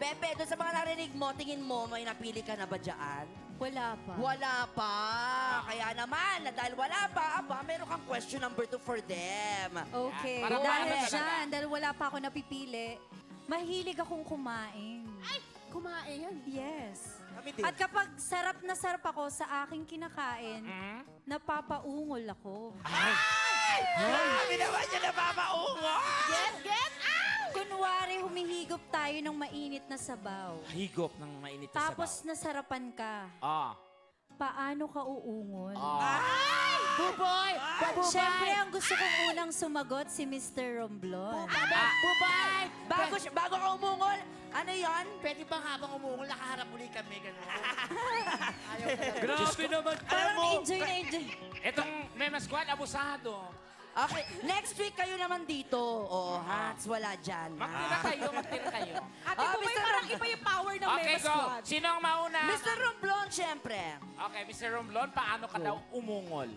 Pepe, doon sa mga narinig mo, tingin mo, may napili ka na ba dyan? Wala pa. Wala pa. Kaya naman, dahil wala pa, meron kang question number 2 for them. Okay. Para Dahil maano talaga. dyan, dahil wala pa ako napipili, mahilig akong kumain. Ay, kumain. Yes. Kami din. At kapag sarap na sarap ako sa aking kinakain, Hmm? napapaungol ako. Kami naman yung napapaungo! Get out! Kunwari, humihigop tayo ng mainit na sabaw. Higop ng mainit na Tapos nasarapan ka. sabaw. Paano ka uungol? Buboy! Siyempre, ang gusto kong unang sumagot si Mr. Romblon. Buboy! Bago ka umungol, ano yon? Pwede bang habang umungol, nakaharap uli kami, gano'n? Ayaw talaga. Grabe naman. Parang enjoy na enjoy. Itong Mema Squad, abusado. Okay, next week kayo naman dito. Oh, Hats, wala dyan. Magtira kayo, magtira kayo. Ate Ah, Buboy, Mr. parang Rom- iba yung power ng Okay, Mema go. Squad. Sino ang mauna? Mr. Romblon, syempre. Okay, Mr. Romblon, paano ka daw umungol?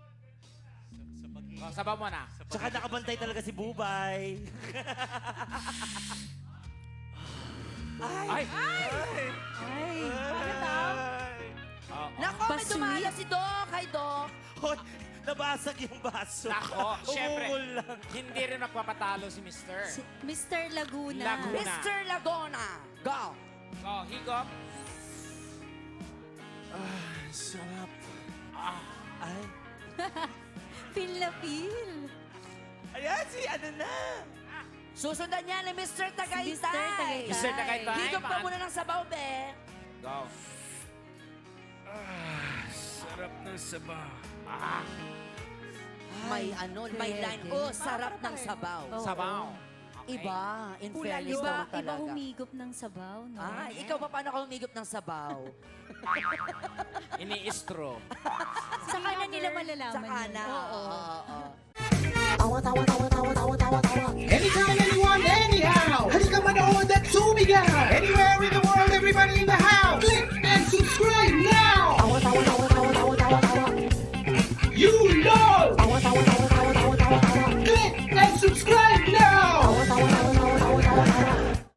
Sabaw mo na. Tsaka nakabantay talaga si Bubay. Ay! Ay, Nako, may Basuri. dumala si Doc. Hi, Doc. Hoy, nabasag yung baso. Nako, syempre. Umungol lang. Hindi rin magpapatalo si Mr. si Mr. Laguna. Laguna. Mr. Lagona. Go. Go, higop. Sarap. Ah, Ay. Feel na feel. Ayan, si ano na. Susundan niya ni Mr. Tagaytay. Mr. Tagaytay. Mr. Tagaytay. Higop ka muna ng sabaw, be. go. Sarap ng sabaw. Ah, May may pwede. line. Oh, sarap ng sabaw. Oo. sabaw. Okay. Iba, in fairness Iba, naman iba talaga. humigop ng sabaw, no? Ah, ikaw pa paano ka humigop ng sabaw? Ini-istro. Sa kanan nila malalaman Sa kana. yun. Oo. Oo. Awat, awat, awat, awat, awat, awat, awat.